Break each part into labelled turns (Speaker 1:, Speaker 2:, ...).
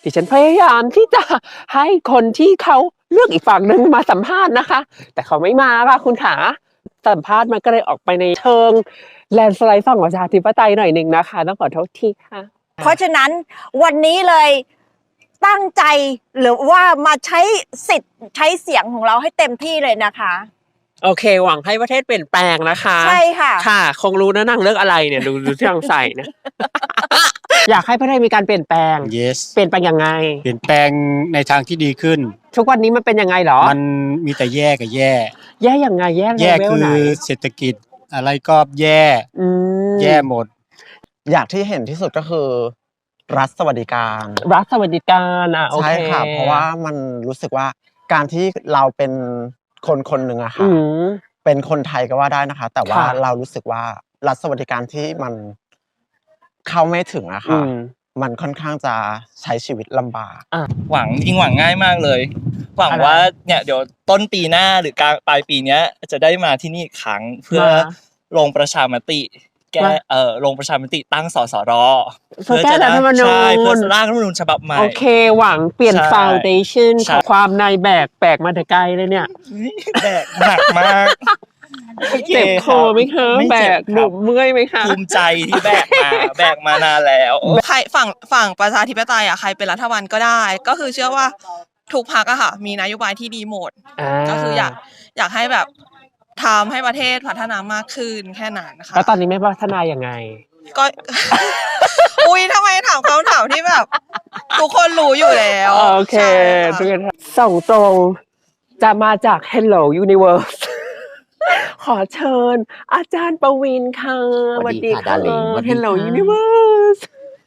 Speaker 1: ดิฉันพยายามที่จะให้คนที่เขาเลือกอีกฝั่งหนึ่งมาสัมภาษณ์นะคะแต่เขาไม่มาค่ะคุณขาสัมภาษณ์มันก็เลยออกไปในเชิงแลนด์สไลด์ฝั่งประชาธิปไตยหน่อยหนึ่งนะคะต้องขอโทษทีค่ะ
Speaker 2: เพราะฉะนั้นวันนี้เลยตั้งใจหรือว่ามาใช้สิทธิ์ใช้เสียงของเราให้เต็มที่เลยนะคะ
Speaker 1: โอเคหวังให้ประเทศเปลี่ยนแปลงนะคะ
Speaker 2: ใช่ค่ะ
Speaker 1: ค่ะคงรู้นะนั่งเลือกอะไรเนี่ยดูที่นางใส่นะ อยากให้ประเทศมีการเปลี่ยนแปลง
Speaker 3: yes
Speaker 1: เปลี่ยนแปลงยังไง
Speaker 3: เปลี่ยนแปลงในทางที่ดีขึ้น
Speaker 1: ทุกวันนี้มันเป็นยังไงหรอ
Speaker 3: มันมีแต่แย่กับแย่
Speaker 1: ยังไงแย่
Speaker 3: คือเศรษฐกิจอะไรก็แย่หมด
Speaker 4: อยากที่เห็นที่สุดก็คือรัฐสวัสดิการ
Speaker 1: โอเค
Speaker 4: ใช่ค่ะเพราะว่ามันรู้สึกว่าการที่เราเป็นคนหนึ่งอะค่ะเป็นคนไทยก็ว่าได้นะคะแต่ว่าเรารู้สึกว่ารัฐสวัสดิการที่มันเข้าไม่ถึงอะค่ะมันค่อนข้างจะใช้ชีวิตลำบาก
Speaker 5: หวังง่ายมากเลยหวังว่าเนี่ยเดี๋ยวต้นปีหน้าหรือกลางปลายปีนี้จะได้มาที่นี่อีกครั้งเพื่อลงประชามติแก้ลงประชามติตั้งสสร
Speaker 1: เพื่อแก้รัฐธรรมนูญ
Speaker 5: เพื่อร่างรัฐธรรมนูญฉบับใหม่
Speaker 1: โอเคหวังเปลี่ยนฟาวเดชั่นของความในแบกมาแต่ไกลเลยเนี่ย
Speaker 5: แบกหนักมาก
Speaker 1: เจ็บคอไหมคะแบกหนุกเมื่อยไหมคะ
Speaker 5: ภูมิใจที่แบกมานานแล้ว
Speaker 6: ใครฝั่งประชาธิปไตยใครเป็นรัฐบาลก็ได้ก็คือเชื่อว่าทุกพรรคค่ะมีนโยบายที่ดีหมดก็คืออยากให้แบบทำให้ประเทศพัฒนามากขึ้นแค่นั้นนะคะ
Speaker 1: แล้วตอนนี้ไม่พัฒนายังไง
Speaker 6: ก็ อุ้ยทำไมถามคำถามที่แบบทุกคนรู้อยู่แล้ว
Speaker 1: โอเคส่งตรงจะมาจาก Hello Universe ขอเชิญอาจารย์ประวินค่ะ
Speaker 7: สวัสดีค่ะ
Speaker 1: Hello Universe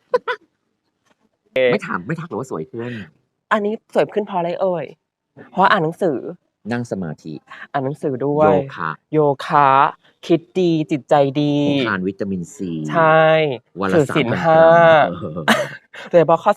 Speaker 7: ไม่ทักหรือว่าสวยขึ้น
Speaker 1: อันนี้สวยขึ้นเพราะอะไรเอ่ยเพราะอ่านหนังสือ
Speaker 7: นั่งสมาธิ
Speaker 1: อ่านหนังสือด้วยโยคะคิดดีจิตใจดี
Speaker 7: ทานวิตามินซี
Speaker 1: ใช่ถือศีล5โดยเฉพาะข้อ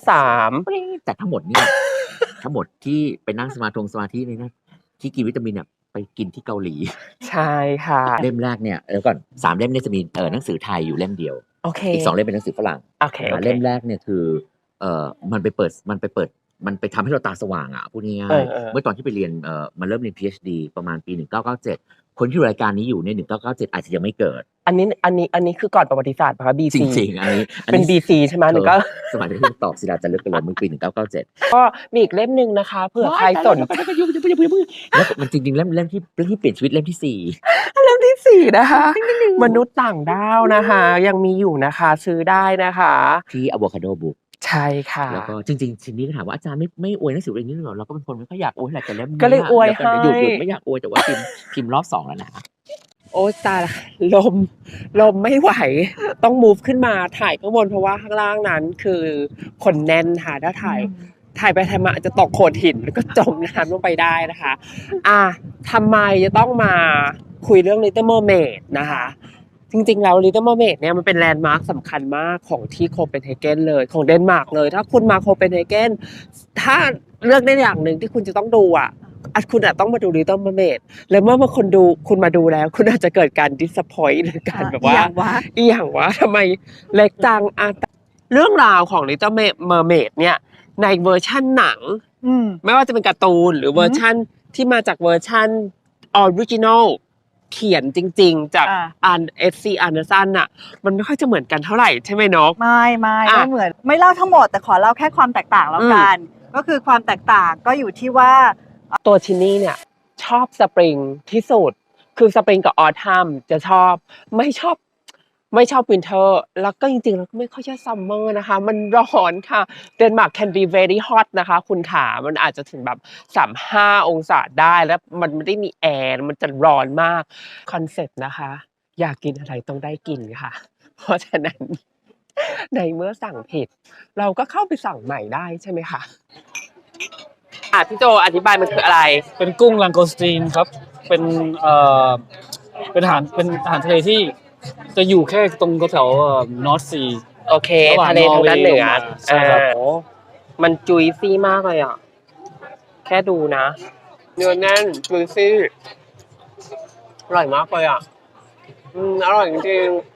Speaker 1: 3
Speaker 7: แต่ทั้งหมดนี่ทั้งหมดที่ไปนั่งสมาธินี่นะที่กินวิตามินเนี่ยไปกินที่เกาหลี
Speaker 1: ใช่ค่ะ
Speaker 7: เล่มแรกเนี่ยก่อน3เล่มเนี่ยจะมีหนังสือไทยอยู่เล่มเดียวอีก2เล่มเป็นหนังสือฝรั่งเล่มแรกเนี่ยคือมันไปทำให้เราตาสว่างอ่ะพูดง่ายๆเมื่อตอนที่ไปเรียนมาเริ่มเรียน PhD ประมาณปี1997คนที่รายการนี้อยู่ใน1997อาจจะยังไม่เกิด
Speaker 1: อันนี้คือก่อนประวัติศาสตร์ป่ะคะ BC
Speaker 7: จริงๆอันนี้
Speaker 1: เป็น BC ใช่ไหมก็
Speaker 7: สมัยที่ตอบศิลาจันทร์เลือกกันเลยเมื่อปี1997
Speaker 1: ก็มีอีกเล่มนึงนะคะเผื่อใครสน
Speaker 7: แล้วมันจริงๆเล่มที่เปลี่ยนชีวิตเล่มที่
Speaker 1: 4เล่มที่4นะคะมนุษย์ต่างดาวนะคะยังมีอยู่นะคะซื้อได้นะคะ
Speaker 7: ที่ Avocado Book
Speaker 1: ใช่ค่ะ
Speaker 7: แล้วก็จริงๆทีนี้ก็ถามว่าอาจารย์ไม่อวยหนังสือเรื่องนี้หรอเราก็เป็นคนไม่ค่อยอยากอวยแหละแต่เล่ม
Speaker 1: ก็เลยอวยให้
Speaker 7: หยุดไม่อยากอวยแต่ว่าพิมพ์รอบ2แล้วนะ
Speaker 1: โอ้ตายลมไม่ไหวต้องมูฟขึ้นมาถ่ายข้างบนเพราะว่าข้างล่างนั้นคือคนแน่นค่ะถ้าถ่ายไปถ่ายมาอาจจะตกโขดหินแล้วก็จมน้ำลงไปได้นะคะทำไมจะต้องมาคุยเรื่อง Little Mermaid นะคะจริงๆแล้ว Little Mermaid เนี่ยมันเป็นแลนด์มาร์คสำคัญมากของที่โคเปนเฮเกนเลยของเดนมาร์กเลยถ้าคุณมาโคเปนเฮเกนถ้าเลือกได้อย่างหนึ่งที่คุณจะต้องดูคุณอาจต้องมาดู Little Mermaid แล้วเมื่อคุณมาดูแล้วคุณอาจจะเกิดการ disappoint หรือการแบบว่าอีหยังวะทำไมเล็กจังเรื่องราวของ Little Mermaid เนี่ยในเวอร์ชั่นหนังไม่ว่าจะเป็นการ์ตูนหรือเวอร์ชั่นที่มาจากเวอร์ชั่นออริจินอลเขียนจริงๆจากF.C. Anderson น่ะมันไม่ค่อยจะเหมือนกันเท่าไหร่ใช่ไหมนก
Speaker 2: ไม่เหมือนไม่เล่าทั้งหมดแต่ขอเล่าแค่ความแตกต่างแล้วกันก็คือความแตกต่างก็อยู่ที่ว่า
Speaker 1: ตัวชินนี่เนี่ยชอบสปริงที่สุดคือสปริงกับออทัมจะชอบไม่ชอบวินเทอร์แล้วก็จริงๆแล้วก็ไม่ค่อยชอบซัมเมอร์นะคะมันร้อนค่ะเดนมาร์ก can be very hot นะคะคุณขามันอาจจะถึงแบบ35องศาได้แล้วมันไม่ได้มีแอร์มันจะร้อนมากคอนเซ็ปต์นะคะอยากกินอะไรต้องได้กินค่ะเพราะฉะนั้นในเมื่อสั่งผิดเราก็เข้าไปสั่งใหม่ได้ใช่ไหมคะพี่โจอธิบายมันคืออะไร
Speaker 8: เป็นกุ้งลังโกสตีนครับเป็นอาหารทะเลที่จะอยู่แค่ตรงแถวนอร์ทซี
Speaker 1: โอเคทะเลทางด้านเหนือใช่ครับมันจุยซี่มากเลยอ่ะแค่ดูนะเนื้อแน่นจุยซี่อร่อยมากเลยอ่ะอร่อยจริงๆ